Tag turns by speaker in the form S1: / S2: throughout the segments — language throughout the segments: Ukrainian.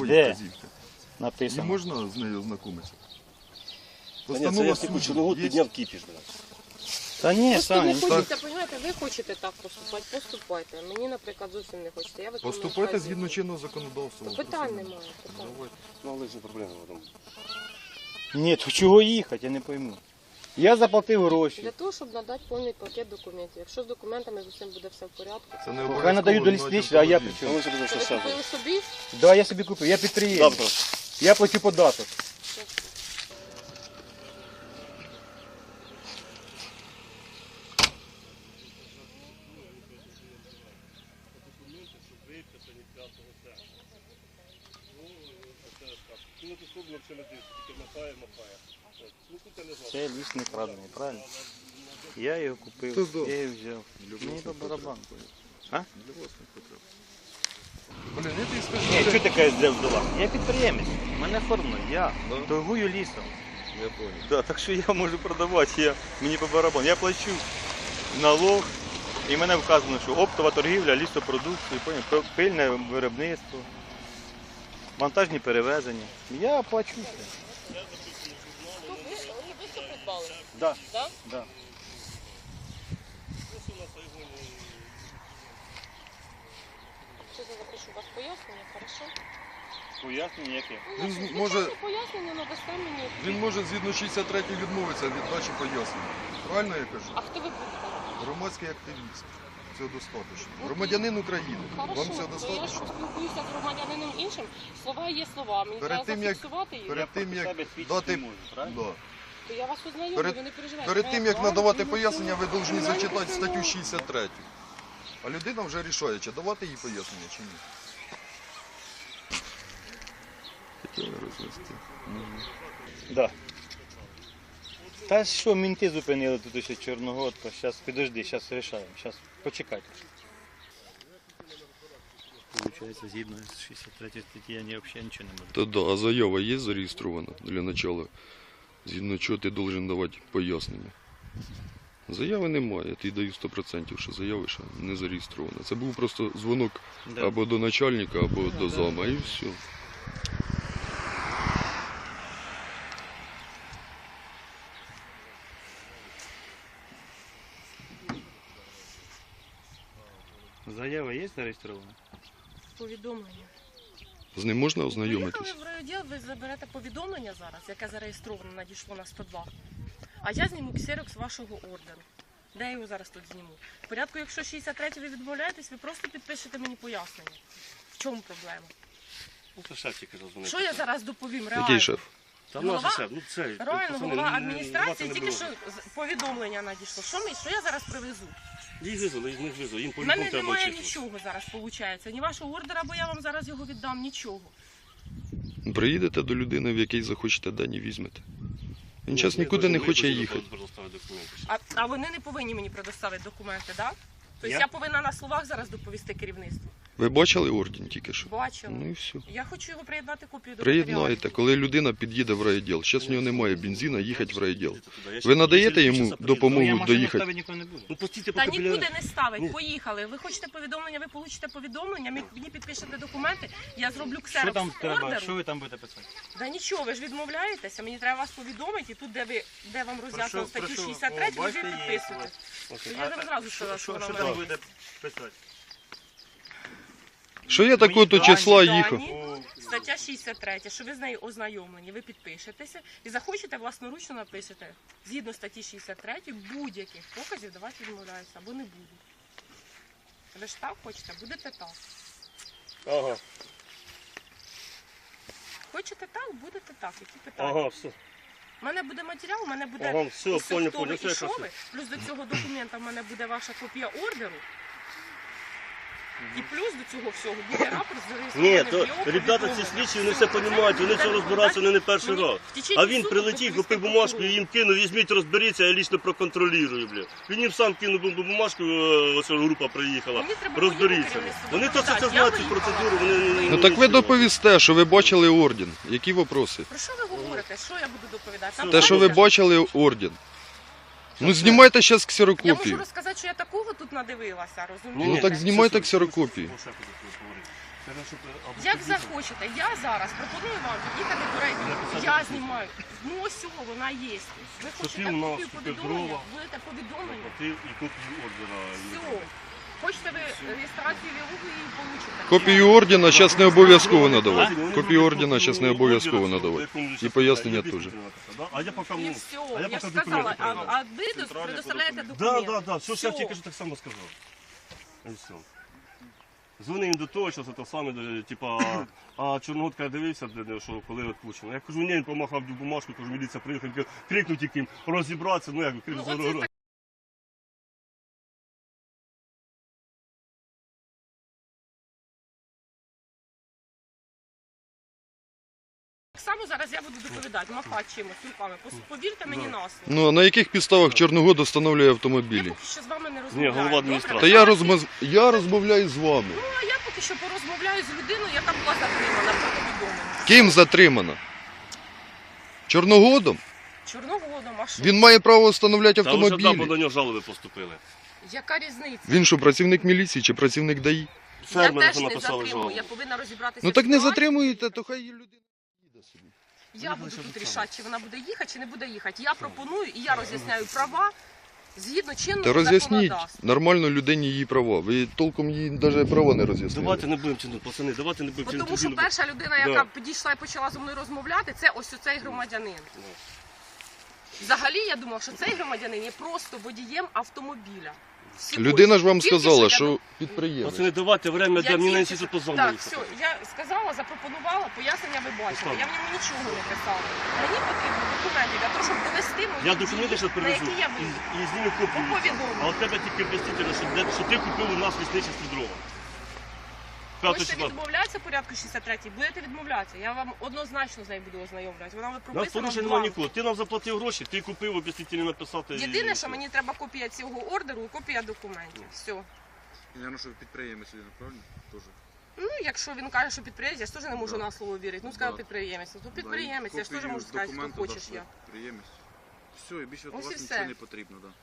S1: якої
S2: Де?
S1: вказівки? Не
S2: Написано.
S1: можна з нею ознакомитися?
S3: Та ні, це я таку чорногу
S1: є.
S3: підняв кіпіш, блядь.
S2: Та ні,
S4: Просто не
S2: Саня,
S4: хочеться, розумієте, ви хочете так поступати, поступайте. Мені, наприклад, зовсім не хочеться. Я виконую
S1: Поступайте
S4: вказівки.
S1: згідно чинного законодавства.
S4: Питань немає. Питань.
S3: Ну, але ж не проблема. Там.
S2: ні, то чого їхати, я не пойму. Я заплатив гроші.
S4: Для того, щоб надати повний пакет документів. Якщо з документами з усім буде все в порядку.
S1: Це не
S2: Хай
S1: обов'язково.
S2: надають до
S1: навіть
S2: лісничого, а я при
S1: автомобіль.
S2: чому?
S3: Але ж буде
S4: Це
S3: все
S4: ви купили
S3: все.
S4: собі?
S2: Да, я собі купив, я підприємець.
S3: Завтра.
S2: Я плачу податок. Це ліс не крадений, правильно? Я його купив,
S1: Та да.
S2: я його взяв.
S1: Для
S2: Мені по
S1: власних
S2: барабану.
S1: Для власних потреб. Блін, я тобі скажу,
S2: Ні,
S1: що
S2: що таке взяла? Я підприємець, в мене форма, я торгую лісом.
S1: я понял.
S2: Да, так що я можу продавати, мені по барабану. Я плачу налог, і в мене вказано, що оптова торгівля, лісопродукції, пильне виробництво, монтажні перевезення. Я плачу все.
S4: Ви особисто придбали?
S2: Да.
S4: Так?
S2: Да.
S4: Що я запишу у вас пояснення, хорошо?
S2: Пояснення яке?
S1: Він
S4: Звичайно,
S1: може-
S4: пояснення надасте мені.
S1: Він може згідно 63 відмовитися від дачі пояснення. Правильно я кажу?
S4: А хто ви будете?
S1: Громадський активіст. Цього достатньо. Громадянин України. Вам
S4: Хорошо,
S1: цього
S4: то я ж
S1: достатньо?
S4: спілкуюся з громадянином іншим. Слова є слова. Мені
S1: Перед
S4: треба
S1: тим, як-
S4: зафіксувати їх.
S1: Перед тим, як
S2: себе свідчити
S1: дати...
S2: не можу, правильно?
S1: Да.
S4: То я вас ознайомлю,
S1: Перед-
S4: ви не переживайте.
S1: Перед тим, як
S4: Моя
S1: надавати
S4: права,
S1: пояснення, ви повинні
S4: кримінальне
S1: зачитати статтю
S4: право.
S1: 63. А людина вже рішає, чи давати їй пояснення, чи ні. Хотіли розвести.
S2: Да. Та що, мінти зупинили тут ще Чорногодка. Зараз підожди, зараз вирішаємо. Зараз почекайте. Получається, згідно з 63 статті я взагалі нічого не можу.
S1: Та да, а заява є зареєстрована для начала? Згідно чого ти повинен давати пояснення? Заяви немає, я тобі даю 100%, що заяви ще не зареєстрована. Це був просто дзвонок
S2: Да.
S1: або до начальника, або до зама, і все.
S2: Заява є зареєстрована?
S4: Повідомлення.
S1: З ним можна ознайомитись?
S4: Поїхали в райвідділ, ви заберете повідомлення зараз, яке зареєстровано, надійшло на 102. А я зніму ксерокс вашого ордеру. Де я його зараз тут зніму? В порядку, якщо 63 ви відмовляєтесь, ви просто підпишете мені пояснення. В чому проблема?
S3: Ну, це шеф тільки дозвонив.
S4: Що я зараз доповім? Реально.
S1: Який шеф?
S3: Та
S4: Голова-
S3: наш шеф, ну це...
S4: Реально,
S3: пацани,
S4: голова
S3: ну,
S4: адміністрації
S3: не
S4: тільки
S3: було.
S4: що повідомлення надійшло. Що я зараз привезу?
S3: Їх визвали, їх не визвали, їм
S4: У
S3: по-любому
S4: мене
S3: треба
S4: немає
S3: очистити.
S4: нічого зараз, виходить. Ні вашого ордера, бо я вам зараз його віддам, нічого.
S1: Приїдете до людини, в якій захочете, дані візьмете. Він
S3: Ні,
S1: зараз
S3: ми
S1: нікуди не
S3: повинні
S1: хоче
S3: визвати,
S1: їхати.
S3: предоставити документи.
S4: А вони не повинні мені предоставити документи, так? Тобто
S2: Я?
S4: я повинна на словах зараз доповісти керівництву.
S1: Ви бачили орден тільки що?
S4: Бачила.
S1: Ну і все.
S4: Я хочу його приєднати копію до
S1: Приєднайте,
S4: матеріалів.
S1: коли людина під'їде в райвідділ. Зараз в нього немає бензина, їхати в райвідділ.
S3: Їдете туди. Я ще-
S1: Ви надаєте
S3: я ще
S1: йому
S3: часа приїду.
S1: допомогу?
S2: Ну, я машину
S1: доїхати.
S2: ставити ніколи не буду.
S3: Ну, постійте
S4: Та
S3: поки біля...
S4: нікуди не ставить,
S3: Ні.
S4: поїхали. Ви хочете повідомлення, ви получите повідомлення, мені підпишете документи, я зроблю
S2: Що
S4: ксерокс
S2: там треба?
S4: ордеру.
S2: Що ви там будете писати?
S4: Да нічого, ви ж відмовляєтеся, мені треба вас повідомити, і тут, де вам роз'яснено статтю
S2: Прошу,
S4: 63, ви
S2: бачите,
S4: вже
S2: є
S4: підписуєте.
S3: Окей.
S4: Я вам зразу сказала, що вона
S2: Що
S4: в
S2: там
S4: мене.
S2: будете писати?
S1: Що я такого-то
S2: Мої
S1: числа
S4: дані.
S1: їхав?
S4: Стаття 63, що ви з нею ознайомлені, ви підпишетеся і захочете власноручно напишете. Згідно статті 63 будь-яких показів давати відмовляюся або не буду. Ви ж так хочете, будете так.
S3: Ага,
S4: Хочете так, будете так. Які питання?
S3: ага, все.
S4: У мене буде матеріал, у мене буде
S3: Ага, все,
S4: усе,
S3: понял,
S4: хто ви
S3: понял,
S4: і
S3: все
S4: що
S3: якраз.
S4: ви. Плюс до цього документа в мене буде ваша копія ордеру. І плюс до цього всього буде рапорт зареєстрований
S3: Ні,
S4: в
S3: то
S4: ЄО
S3: ребята
S4: повідомлення.
S3: ці слідчі, вони
S4: Все,
S3: все розуміють, вони
S4: буде
S3: це розбираються не перший
S4: мені
S3: раз.
S4: в течение
S3: А він
S4: суду
S3: прилетів,
S4: доповісти
S3: купив бумажку і
S4: прокурору.
S3: їм кинув, візьміть, розберіться, я лічно проконтролюю, бля. Він їм сам кинув бумажку, ось група приїхала.
S4: Мені треба
S3: Розберіться.
S4: керівництво
S3: Вони то
S4: доповідати.
S3: це
S4: Я
S3: знають, ці
S4: виїхала.
S3: процедури, вони не...
S1: Ну так ви доповісте, що ви бачили орден. Які вопроси?
S4: Про що ви говорите? Що я буду доповідати? Там
S1: Те, що ви
S4: знаєте,
S1: бачили орден. Ну знімайте зараз
S4: я можу
S1: ксерокопію.
S4: розказати, що я такого тут надивилася,
S1: Ну,
S4: розумієте?
S1: так знімайте ксерокопії.
S4: Як захочете, я зараз пропоную вам під'їхати до райвідділу. Я знімаю. Ну ось цього вона є. Ви хочете
S3: ти у нас
S4: копію повідомлення,
S3: Петрова.
S4: будете повідомлення.
S3: Ти і копію ордера.
S4: Все. Хочете ви реєстрацію вілуги і получите.
S1: Копію ордена зараз не обов'язково надавати. Копію ордена зараз не обов'язково надавати. І пояснення теж.
S3: А я поки,
S4: І
S3: ну,
S4: все,
S3: а я
S4: я ж
S3: поки
S4: сказала,
S3: документи
S4: а ви предоставляєте документи.
S3: Да, все,
S4: Все.
S3: я тільки що так само сказав. І все. Дзвонив до того, що це те саме, типа, а Чорноготка дивився, що коли відпущено. Я кажу, ні, він помахав бумажку, кажу, міліція приїхала, крикнуть яким, розібратися, ну як,
S4: Ну, оце так само зараз я буду доповідати, махати чимось руками. Повірте мені на слово.
S1: Ну а на яких підставах Чорногод встановлює
S4: Я
S1: автомобілі?
S4: поки що з вами не
S3: Ні,
S4: розмовляю.
S3: голова
S4: добре?
S3: адміністрації.
S1: Та я розмовляю з вами.
S4: Ну, а я поки що порозмовляю з людиною, яка була затримана по повідомленню.
S1: Ким затримана? Чорногодом?
S4: Чорноводом, а що?
S1: Він має право встановляти
S3: Та вже бо
S1: автомобілі.
S3: до нього жалоби поступили.
S4: Яка різниця?
S1: Він що, працівник міліції чи працівник ДАІ?
S3: Фермери
S4: Я теж не
S3: написали
S4: затримую,
S3: жалобу.
S4: я повинна розібратися.
S1: Ну
S4: в
S1: так не
S4: ситуації.
S1: затримуєте, то хай людина їде собі.
S4: Я буду тут рішати, чи вона буде їхати, чи не буде їхати. Я пропоную і я роз'ясняю права згідно чинного
S1: Та роз'ясніть
S4: законодавства.
S1: нормально людині її права. Ви толком їй навіть права не роз'яснили.
S3: Давайте не будемо чинити, пацани, давайте не будемо чинити.
S4: Тому що перша людина, яка підійшла і почала зі мною розмовляти, це ось цей громадянин. Взагалі я думав, що цей громадянин є просто водієм автомобіля. Всього.
S1: Людина ж вам
S4: Тільки
S1: сказала,
S4: я
S1: що підприємець.
S3: Пацани, давайте время,
S4: Я
S3: де мені на
S4: тільки
S3: інститут
S4: що-
S3: позвонили.
S4: Так, все, я сказала, запропонувала, пояснення ви бачите. Я в ньому нічого не писала. Мені потрібно документи для того, щоб довести мої
S3: Я
S4: дії,
S3: документи зараз
S4: на
S3: перевезу
S4: які я буду.
S3: і зніму копію.
S4: По повідомленню.
S3: А от тебе тільки об'ясніть, що ти купив у нас лісничество дрова.
S4: Хочете відмовлятися порядку 63-й, будете відмовлятися. Я вам однозначно з нею буду ознайомлювати. Вона
S3: Нас
S4: прописана
S3: порушень
S4: в
S3: немає
S4: бланку.
S3: нікого. Ти нам заплатив гроші, ти купив, об'яснітельно написати.
S4: Єдине, що мені треба копія цього ордеру і копія документів. Все.
S5: Я що підприємець він, правильно? Тоже.
S4: Ну, якщо він каже, що підприємець, я ж теж не можу
S5: Да.
S4: на слово вірити. Ну, скажу
S5: Да.
S4: підприємець. Ну, підприємець, я ж теж можу сказати, що хочеш я.
S5: Підприємець. Все, і більше від
S4: Ось і
S5: вас
S4: все.
S5: нічого не потрібно, да.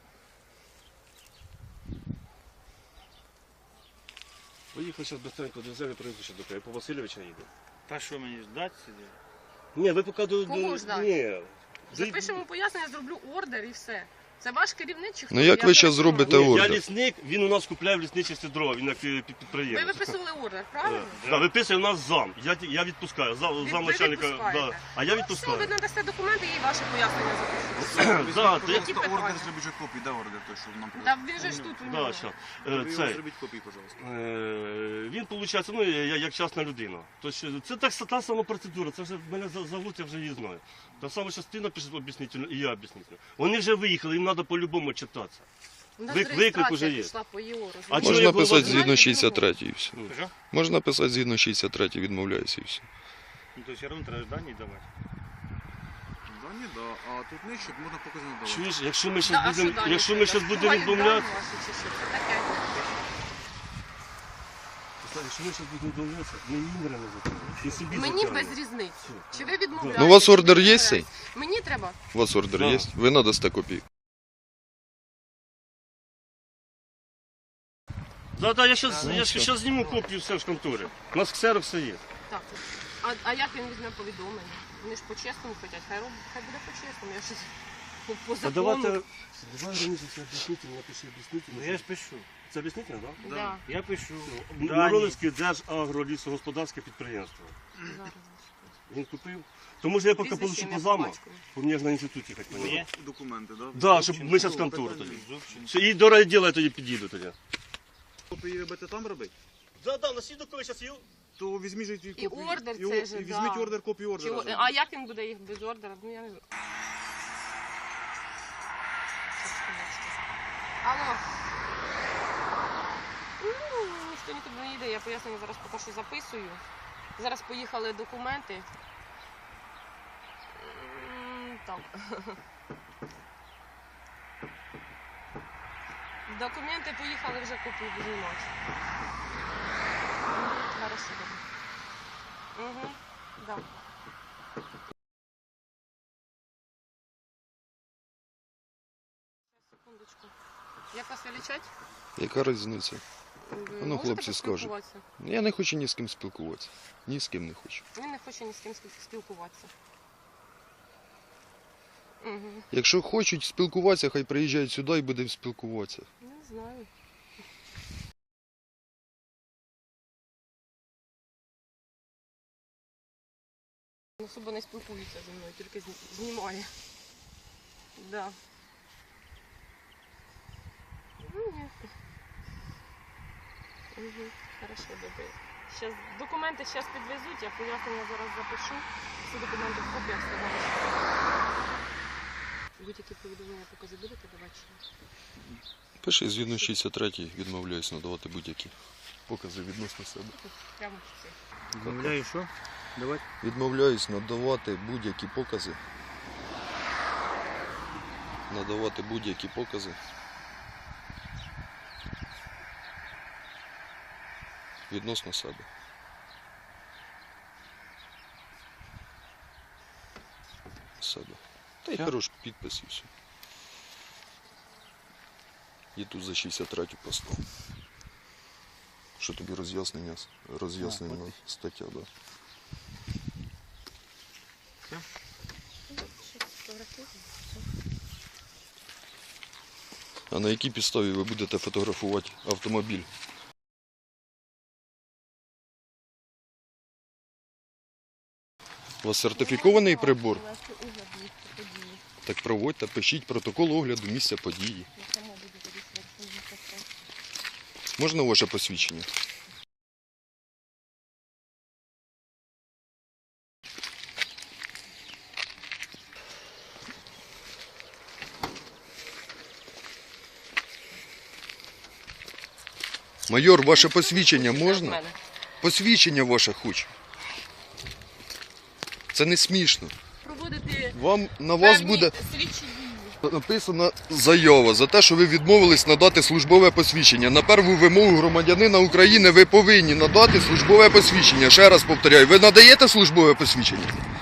S3: Поїхали зараз быстренько до землі, привезу ще до тебе. Я по Васильовича їду.
S2: Та що мені ждати сидіти?
S3: Ні, ви поки до...
S4: Кого ждати?
S3: Ні.
S4: Запишемо пояснення, зроблю ордер і все. Це ваш керівник чи хто?
S1: Ну, як
S4: Я
S1: ви
S4: вже
S1: щас
S4: не знаю.
S1: зробите
S3: Ні, я
S1: ордер?
S3: лісник, він у нас купляє в лісничестві дрова, він як
S4: Ви
S3: підприємець.
S4: виписували ордер, правильно?
S3: Да, виписує у нас зам. Я відпускаю. Зам начальника.
S4: відпускаєте?
S3: Да. А я
S4: Ну, все, ви
S3: відпускаю.
S4: надасте документи і ваші пояснення запишу.
S3: Да, то я-
S4: Які
S5: Просто ордер
S4: питання?
S5: зробіть же копію, де ордер той, що нам
S4: Та він же ж тут у
S3: Да,
S4: нього.
S3: щас.
S5: Ви його
S3: Цей.
S5: зробіть копію, пожалуйста.
S3: Він, виходить, ну, як частна людина. Тобто, це так, та сама процедура, це вже мене зовуть, я вже її знаю. Та саме, що ти напишеш об'яснительно, і я об'яснительно. Вони вже виїхали, їм треба по-любому читатися.
S4: У нас
S3: Виклик
S4: реєстрація
S3: уже є.
S4: пішла по ЄО,
S3: А
S4: розумієте?
S3: чого
S1: Можна
S3: я
S1: писати
S3: голова-
S1: згідно 63 і все.
S2: Що?
S1: Можна писати згідно 63 відмовляюся і все.
S2: Ну, то все одно треба дані давати.
S5: Да, ні, да. А тут нижче можна показати надавати.
S3: Чуєш, якщо ми
S4: Да,
S3: зараз
S4: а що
S3: будемо,
S4: далі
S3: якщо ми
S4: треба?
S3: зараз будемо
S4: Бувають
S3: відмовляти,
S4: дані ваші чи що? Це таке.
S3: якщо ми зараз будемо відмовлятися, ми їм не затягнемо. І собі
S4: Мені
S3: затягнемо.
S4: без різниці. Чи ви відмовляєте?
S1: Ну, у вас
S4: чи
S1: ордер
S4: ви
S1: є
S4: відмовляєте?
S1: цей?
S4: Мені треба.
S1: У вас ордер
S3: Да.
S1: є? Ви надасте копію.
S3: Да, я зараз зніму копію все в конторі. У нас ксерокс все є.
S4: Так. А як він візьме повідомлення? Вони ж по-чесному хочуть. Хай буде по-чесному. Я щось по
S3: А
S4: закону.
S3: давай раніше це об'яснительно, напиши об'яснительно.
S2: Ну я ж пишу.
S3: Це об'яснительно, так?
S4: Да.
S2: Я пишу.
S3: Мироновське держагролісогосподарське підприємство.
S4: Зараз.
S3: Він купив. То може я поки
S4: Прізвище,
S3: получу
S4: ім'я,
S3: по заму,
S4: по батькові.
S3: бо мені ж на інституті їхати по
S2: Ні.
S5: Документи, да?
S3: Да, щоб ми зараз в контору тоді. Все, і до райділа я тоді під'їду тоді.
S5: Копії ви будете там робити?
S3: Да, на свідок, коли зараз є.
S5: То візьміть же ті
S4: І
S5: копії.
S4: ордер
S5: і
S4: цей же,
S5: візьміть
S4: да.
S5: ордер, копію
S4: Чи
S5: ордера.
S4: о-
S5: зробіть.
S4: А як він буде їх без ордера? Ну я не знаю. Алло. Ну, ніхто нікуди не йде, я пояснення зараз поки що записую. Зараз поїхали документи. Так. Документи поїхали вже копію знімати. Хорошо, добре. Угу, да. Секундочку. Як вас величать?
S1: Яка різниця?
S4: Ви
S1: Ну,
S4: можете
S1: хлопці скажуть.
S4: поспілкуватися?
S1: Я не хочу ні з ким спілкуватися. Ні з ким не хочу.
S4: Він не хоче ні з ким спілкуватися. Угу.
S1: Якщо хочуть спілкуватися, хай приїжджають сюди і будемо спілкуватися.
S4: Не знаю. Він особо не спілкується зі мною, тільки знімає. Да. Ну, ні. Угу. Хорошо, добре. Щас, документи зараз підвезуть, я пояснення зараз запишу. Всі документи в копіях сказали. Будь-які повідомлення покази будете давати?
S1: Пиши, згідно 63-й відмовляюсь надавати будь-які покази відносно себе.
S4: Прямо в це.
S2: Замовляю що? Давайте.
S1: Відмовляюсь надавати будь-які покази. Надавати будь-які покази. Відносно себе. Себе. Та й
S2: Все?
S1: хорош підпис і все. І тут за 63-ю постав. Що тобі роз'яснення стаття, да. А на якій підставі ви будете фотографувати автомобіль? У вас сертифікований прибор? Так проводьте, пишіть протокол огляду місця події. Можна ваше посвідчення? Майор, ваше посвідчення можна? Посвідчення ваше хочу. Це не смішно.
S4: Проводити
S1: На вас
S4: певні
S1: буде
S4: слідчі дії.
S1: написана заява за те, що ви відмовились надати службове посвідчення. На перву вимогу громадянина України ви повинні надати службове посвідчення. Ще раз повторяю, ви надаєте службове посвідчення?